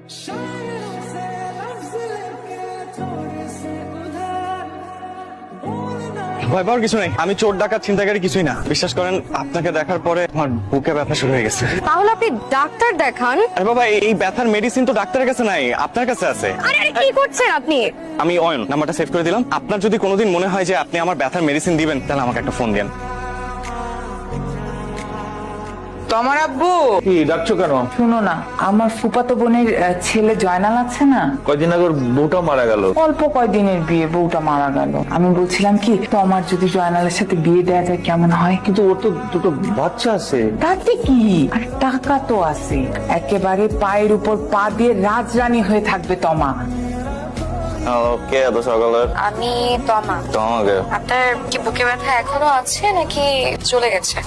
ভয় পাওয়ার কিছু নেই, আমি চোর ডাকাত ছিনতাইকারী কিছুই না। বিশ্বাস করেন, আপনাকে দেখার পরে আমার বুকে ব্যথা শুরু হয়ে গেছে। তাহলে আপনি ডাক্তার দেখান। আরে বাবা, এই ব্যথার মেডিসিন তো ডাক্তারের কাছে নাই, আপনার কাছে আছে। আরে কি করছেন আপনি? আমি অয়ন, নাম্বারটা সেভ করে দিলাম। আপনার যদি কোনোদিন মনে হয় যে আপনি আমার ব্যথার মেডিসিন দিবেন, তাহলে আমাকে একটা ফোন দেন। তোমার আব্বু কি ডাকছো কেন? শুনো না, আমার ফুফাতো বোনের ছেলে জয়নাল আছে না, কয়দিন আগে ওর বউটা মারা গেল। অল্প কয়দিনের বিয়ে, বউটা মারা গেল। আমি বলছিলাম কি, তোমার যদি জয়নালের সাথে বিয়ে দেওয়া যায় কেমন হয়? কিন্তু ওর তো দুটো বাচ্চা আছে। তাতে কি, আর টাকা তো আছে, একেবারে পায়ের উপর পা দিয়ে রাজরানী হয়ে থাকবে তমা। ওকে, এত সকালে? আমি তমা। তোমাকে আপনার কি বুকে ব্যথা এখনো আছে নাকি চলে গেছে?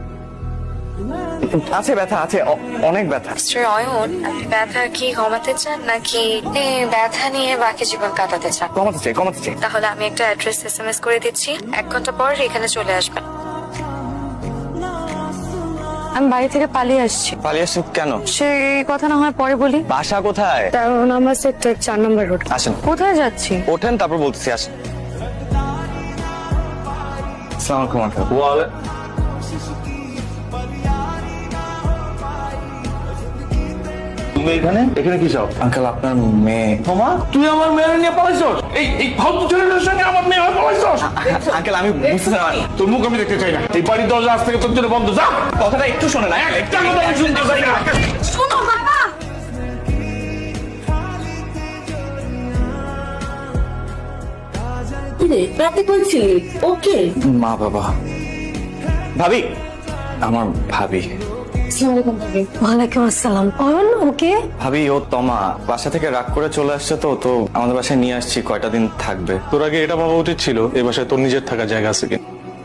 আছে, ব্যথা আছে, অনেক ব্যথা। মিস্টার অয়ন, আপনি ব্যথা কি কমাতে চান নাকি আপনি ব্যথা নিয়ে বাকি জীবন কাটাতে চান? কমাতে চাই, কমাতে চাই। তাহলে আমি একটা অ্যাড্রেস এসএমএস করে দিচ্ছি, 1 ঘন্টা পর এখানে চলে আসবেন। আমি বাড়ি থেকে পালিয়ে আসছি। পালিয়ে আসছেন কেন? সেই কথা না হয় পরে বলি। বাসা কোথায়? 13 নম্বর সেক্টর 4 নম্বর রোড। আসেন। কোথায় যাচ্ছি? ওঠেন, তারপর বলতেছি। আসেন। আসসালামু আলাইকুম আঙ্কেল। তুমি এখানে এখানে কি চাও? আঙ্কেল, আপনার মেয়ে। তোমা, তুই আমার মেয়ে নিয়ে পালাইছস? এই ফালতু ছেলেদের সঙ্গে আমার মেয়ে হয়ে পালাইছস? আঙ্কেল, আমি বুঝতে না। তোর মুখ আমি দেখতে চাই না। এই বাড়ির দরজা আজ থেকে তোর জন্য বন্ধ। যা, কথাটা একটু শোনে না। একটা কথা আমি শুনতে চাই না। শোনো বাবা। রাতে বলছিলি ওকে? মা বাবা, ভাবি, আমার ভাবি। ওয়ালাইকুম আসসালাম। অয়ন ওকে? ভাবি, ও তমা বাসা থেকে রাগ করে চলে আসছে, তো আমাদের বাসায় নিয়ে আসছি, কয়টা দিন থাকবে। তোর আগে এটা ভাবা উচিত ছিল এই বাসায় তোর নিজের থাকার জায়গা আছে কিনা।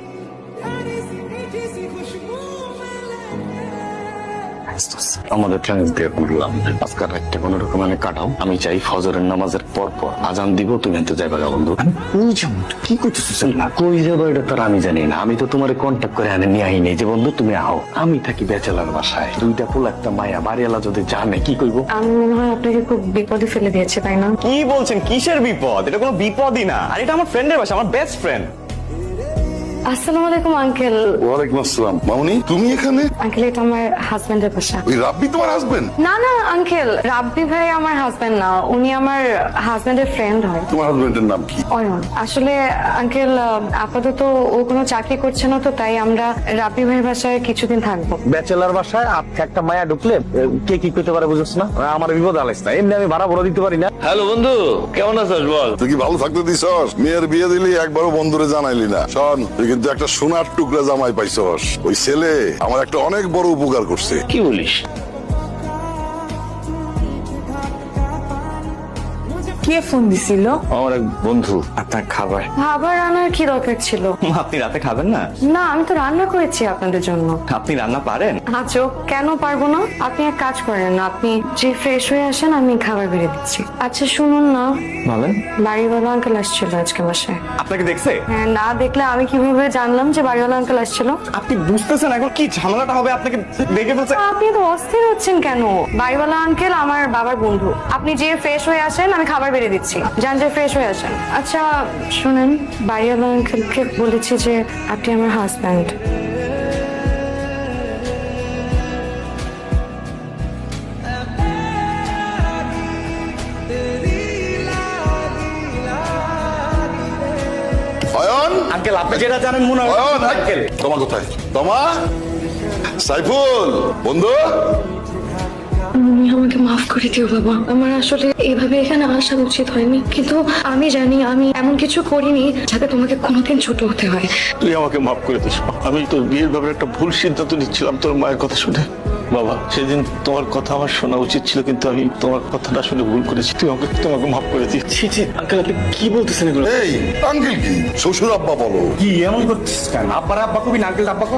আমাদের ট্রান্স দিয়ে করলাম, আজকাল একটা কোনো রকম কাটাও। আমি চাই ফজরের নামাজের পর পর আজান দিব, তুমি এনতে যাবে গা বন্ধু। কই যাবো, কি করতেছিস? কই যাবো এটা তো আমি জানি না। আমি তো তোমার কন্ট্যাক্ট করে আনে নিয়ে আইনি যে বন্ধু তুমি আও। আমি থাকি ব্যাচেলার বাসায়, দুইটা ফুল একটা মায়া, বাড়িওয়ালা যদি জানে কি কইব। আমি মনে হয় আপনাকে খুব বিপদে ফেলে দিয়েছে, তাই না? কি বলছেন? কিসের বিপদ? এটা কোনো বিপদই না। আর এটা আমার ফ্রেন্ডের বাসা, আমার বেস্ট ফ্রেন্ড। আসসালামু আলাইকুম আঙ্কেল। ওয়ালাইকুম আসসালাম। মামুনি, তুমি এখানে? আঙ্কেল, এটা আমার হাজবেন্ডের বাসা। ওই রাব্বি তোমার হাজবেন্ড? না না আঙ্কেল, রাব্বি ভাই আমার হাজবেন্ড না, উনি আমার হাজবেন্ডের ফ্রেন্ড হয়। তোমার হাজবেন্ডের নাম কি? অয়ন। আসলে আঙ্কেল, আপাতত ও কোনো চাকরি করছে না, তো তাই আমরা রাব্বি ভাইয়ের বাসায় কিছুদিন থাকবো। ব্যাচেলার বাসায় একটা মায়া ঢুকলে কে কি করতে পারে বুঝছ না? আমার বিপদ আলাইস না, এমনি আমি ভাড়া ভরা দিতে পারি না। হ্যালো বন্ধু, কেমন আছিস বল? তুই কি ভালো থাকতে দিছস? মেয়ের বিয়ে দিলি, একবারও বন্ধুরে জানাইলি না। শোন, তুই কিন্তু একটা সোনার টুকরা জামাই পাইছস। ওই ছেলে আমার একটা অনেক বড় উপকার করছে। কি বলিস? কে ফোন দিছিল? আমার এক বন্ধু। আপনার খাবার। খাবার আনার কি দরকার ছিল? আপনি রাতে খাবেন না? না, আমি তো রান্না করেছি আপনাদের জন্য। আপনি রান্না পারেন? আচ্ছা, কেন পারবো না? আপনি এক কাজ করেন, আপনি যে ফ্রেশ হয়ে আসেন, আমি খাবার বেড়ে দিচ্ছি। আচ্ছা শুনুন না, বলেন। বাড়িওয়ালা আঙ্কেল আসছিল আজকে বাসায়। আপনাকে দেখছে? হ্যাঁ, না দেখলে আমি কিভাবে জানলাম যে বাড়িওয়ালা আঙ্কেল আসছিল? আপনি বুঝতেছেন এখন কি ঝামেলাটা হবে? আপনাকে দেখে ফেলছে। আপনি তো অস্থির হচ্ছেন কেন? বাড়িওয়ালা আঙ্কেল আমার বাবার বন্ধু। আপনি যে ফ্রেশ হয়ে আসেন, আমি খাবার বেড়ে দিচ্ছি। যান, যে ফ্রেশ হয়ে আসেন। আচ্ছা শুনেন, বাড়িওয়ালা আঙ্কেলকে বলেছি যে আপনি আমার হাজব্যান্ড। অয়ন, আঙ্কেল, আপনি যেটা জানেন মনে হয়। অয়ন, আঙ্কেল, তোমা কোথায়? তোমা, সাইফুল বন্ধু। তুমি আমাকে মাফ করে দিও বাবা, আমার আসলে এইভাবে এখানে আসা উচিত হয়নি, কিন্তু আমি জানি আমি এমন কিছু করিনি যাতে তোমাকে কোনোদিন ছোট হতে হয়। তুই আমাকে মাফ করে দিস। আমি তোর বিয়ের ব্যাপারে একটা ভুল সিদ্ধান্ত নিচ্ছিলাম তোর মায়ের কথা শুনে। বাবা, সেদিন তোমার কথা আমার শোনা উচিত ছিল, কিন্তু আমি তোমার কথাটা শুনে ভুল করেছি। তোমাকে মাফ করে দিই। ছি ছি, আঙ্কেল, আপনি কি বলতেছেন এগুলো? এই আঙ্কেল কি? শ্বশুর আব্বা বলো। কি এমন করছিস কেন? আব্বার আব্বা কবি না, আঙ্কেল আব্বা কো।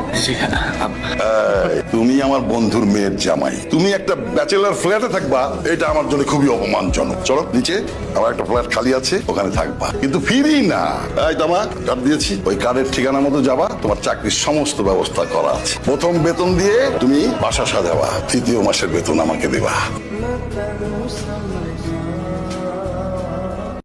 তুমি আমার বন্ধুর মেয়ের জামাই, তুমি একটা ব্যাচেলার ফ্ল্যাটে থাকবা, এটা আমার জন্য খুবই অপমানজনক। চলো নিচে, আমার একটা ফ্ল্যাট খালি আছে, ওখানে থাকবা, কিন্তু ফিরি না। এই তোমার কার্ড দিয়েছি, ওই কার্ডের ঠিকানা মতো যাবা, তোমার চাকরির সমস্ত ব্যবস্থা করা আছে। প্রথম বেতন দিয়ে তুমি বাসা সাজাবা, তৃতীয় মাসের বেতন আমাকে দেবা। المستغرق